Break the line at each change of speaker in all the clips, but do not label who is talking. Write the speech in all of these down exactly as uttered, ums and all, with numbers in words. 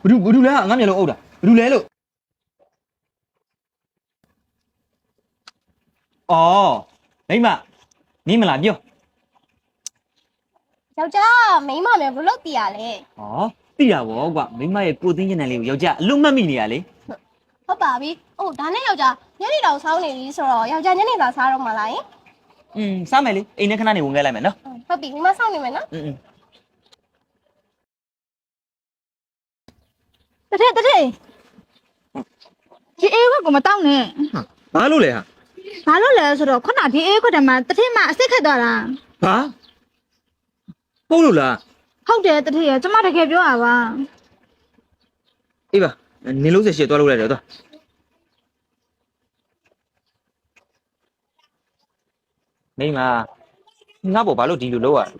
ဘဒူဘဒူလဲငါမျက်လုံးအုပ်တာဘဒူလဲလို့အော်မိမမင်းမလားပြော
ယောက်ျားမိန်းမမျိုးဘလို့တည်ရလဲ
ဟောသိရပါဘောကွာမိမရဲ့ကိုသိညံတယ်လေးကိုယောက်ျားအလုံးမတ်မိနေရလေ
ဟုတ်ပါပြီ။အိုးဒါနဲ့ယောက်ျားညနေတောင်စောင်းနေပြီဆိုတော့ယောက်ျားညနေစာစားတော့မှလားယင်
อืมစားမယ်လေအိမ်ထဲခဏနေဝင်ခဲ့လိုက်မယ်နော်
ဟုတ်ပြီမိမစောင့်နေမယ်နော်
อืม
တထက်တထက်ဒီအေးခွက်ကမတောင်းနဲ့
ဘာလို့လဲဟာ
ဘာလို့လဲဆိုတော့ခုနဒီအေးခွက်တည်းမှာတထက်မှာအစ်စ်ခက်သွားတာ
ဟာပုတ်လို့လား
ဟုတ်တယ်တထက်ရကျမတကယ်ပြောတာပါ
အေးပါနေလို့ဆက်ရှေ့သွားလို့လိုက်တယ်သွားမိမငါ့ဘောဘာလို့ဒီလိုလုပ်ရလဲ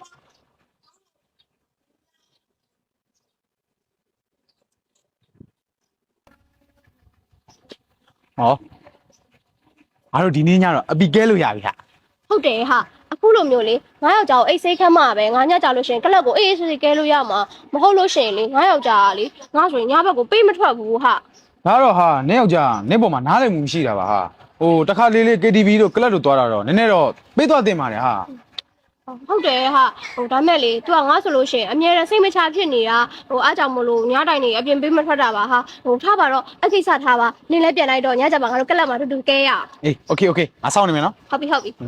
ဟောအားတို့ဒီနေ့ညတော့အပီကဲလို့ရပြီဟာ
ဟုတ်တယ်ဟာအခုလိုမျိုးလေငါယောက်ျားကိုအိတ်စိတ်ခတ်မှာပဲငါညကြလို့ရှိရင်ကလပ်ကိုအေးအေးဆေးဆေးကဲလို့ရမှာမဟုတ်လို့ရှိရင်လေငါယောက်ျားကလေငါဆိုရင်ညဘက်ကိုပေးမထွက်ဘူးဟာ
ဒါတော့ဟာနင်းယောက်ျားနင်းပေါ်မှာနားလည်မှုမရှိတာပါဟာဟိုတခါလေးလေး K T V တို့ကလပ်တို့သွားတာတော့နည်းနည်းတော့ပေးသွားတင်ပါတယ်ဟာ
ဟုတ်တယ်ဟာဟိုဒါမဲ့လေ तू ကငါဆိုလို့ရှိရင်အမြဲတမ်းစိတ်မချဖြစ်နေတာဟိုအားကြောင့်မလို့ညတိုင်းနေအပြင်ပေးမထွက်တာပါဟာဟိုထားပါတော့အကိစ္စထားပါနင်းလည်းပြန်လိုက်တော့ညကြပါငါတို့ကလပ်မှာတူတူကဲရ
အေး Okay Okay ငါစောင့်နေမယ်နော်
ဟုတ်ပြီဟုတ်ပြီ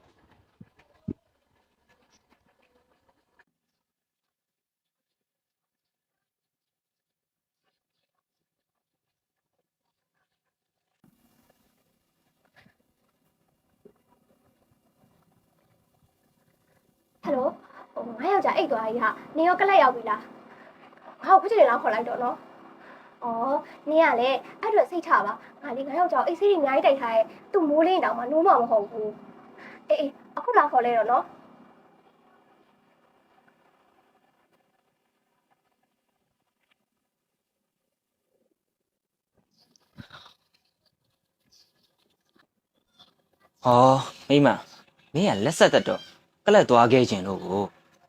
ဟယ်လိုဟိုငါယောက်ျားအိတ်သွားကြီးဟာနင်ရောကလပ်ရောက်ပြီလားငါ့ကိုခုချိန်လောက်ခေါ်လိုက်တော့နော်ဩနင်ကလည်းအဲ့ဒါစိတ်ချပါငါလေငါယောက်ျားအိတ်ဆေးတွေအများကြီးတိုက်ထားရဲ့သူ့မိုးလေးတောင်မှနိုးမှမဟုတ်ဘူးအေးအေးအခုလာခေါ်လဲတော့နော်
ဟောမိမမင်းကလက်ဆက်သက်တော့ကလပ်သွားခဲ့ခြင်းလို့ကို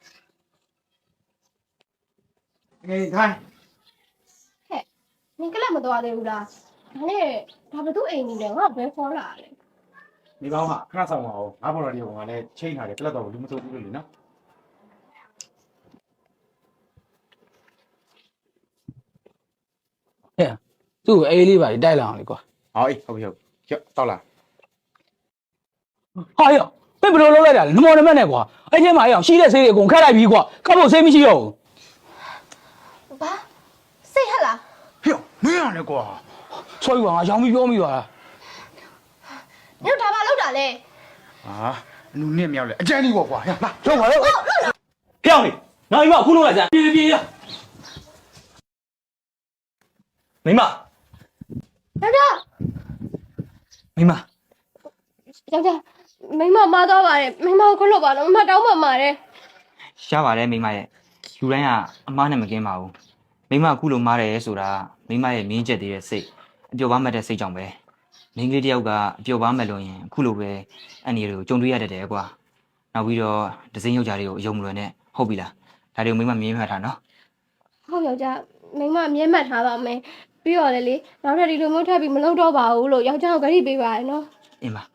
ငယ်ထိုင်
ဟဲ့နင်ကလပ်မသွားသေးဘူးလားဒါနဲ့ဒါဘသူအိမ်နေလဲငါဘယ်ခေါ်လာလဲ
ဒီကောင်းဟာခဏဆောင်ပါဦးငါဘော်တော်ဒီကောင်ကလည်းချိန်ထားတယ်ကလပ်တော့လူမစိုးဘူးလို့လေနော်
ဟဲ့သူ့အေးလေးပါတိုက်လာအောင်လေကွာ
ဟောအေးဟုတ်ပြီဟုတ်ကြောက်တောက်လာ
ဟာရောမင်းဘယ်လိုလုပ်လိုက်တာလဲနမောနမက်နဲ့ကွာအဲ့ထဲမှာအအောင်ရှိတဲ့ဆေးတွေအကုန်ခက်လိုက်ပြီကွာခတ်ဖို့ဆေးမရှိတော့
ဘူးဘာစိတ်ဟက်လား
ဟေ့မင်းရလဲကွာ
ဆွဲကွာငါရောင်းပြီးပြောမိသွားတာ
ညတို့ဒါဘာလုပ်တာလဲ
ဟာလူနဲ့မြောက်လဲအကျန်းကြီးပေါ့ကွာဟဲ့လာ
လုံးပါတော့
ဖျောင်းနေနောက်ပြီးမှအခုလုပ်လိုက်စမ်းပြေးပြေးရမိမ
ယောက်ျား
မိမ
ယောက်ျားမိမမာသွားပါတယ်မိမကိုခလို့ပါတော့မတောင်းပါမှာတယ်
ရှားပါတယ်မိမရဲ့လူတိုင်းကအမားနဲ့မကင်းပါဘူးမိမအခုလိုမားတယ်ဆိုတာမိမရဲ့မင်းချက်သေးတဲ့စိတ်အပျော်ပါမဲ့တဲ့စိတ်ကြောင့်ပဲမင်းကလေးတယောက်ကအပျော်ပါမဲ့လို့ရင်အခုလိုပဲအန်ဒီတွေကိုကြုံတွေ့ရတတ်တယ်ကွာနောက်ပြီးတော့ဒစိမ့်ယောက်ျားတွေကိုအယုံမလွယ်နဲ့ဟုတ်ပြီလားဒါတွေကိုမိမမြင်မှတ်ထားနော်
ဟုတ်ယောက်ျားမိမမြင်မှတ်ထားပါမယ်ပြီးတော့လေလေနောက်ထပ်ဒီလိုမျိုးထပ်ပြီးမလုပ်တော့ပါဘူးလို့ယောက်ျားကိုဂရုပေးပါရနော်
အင်းပါ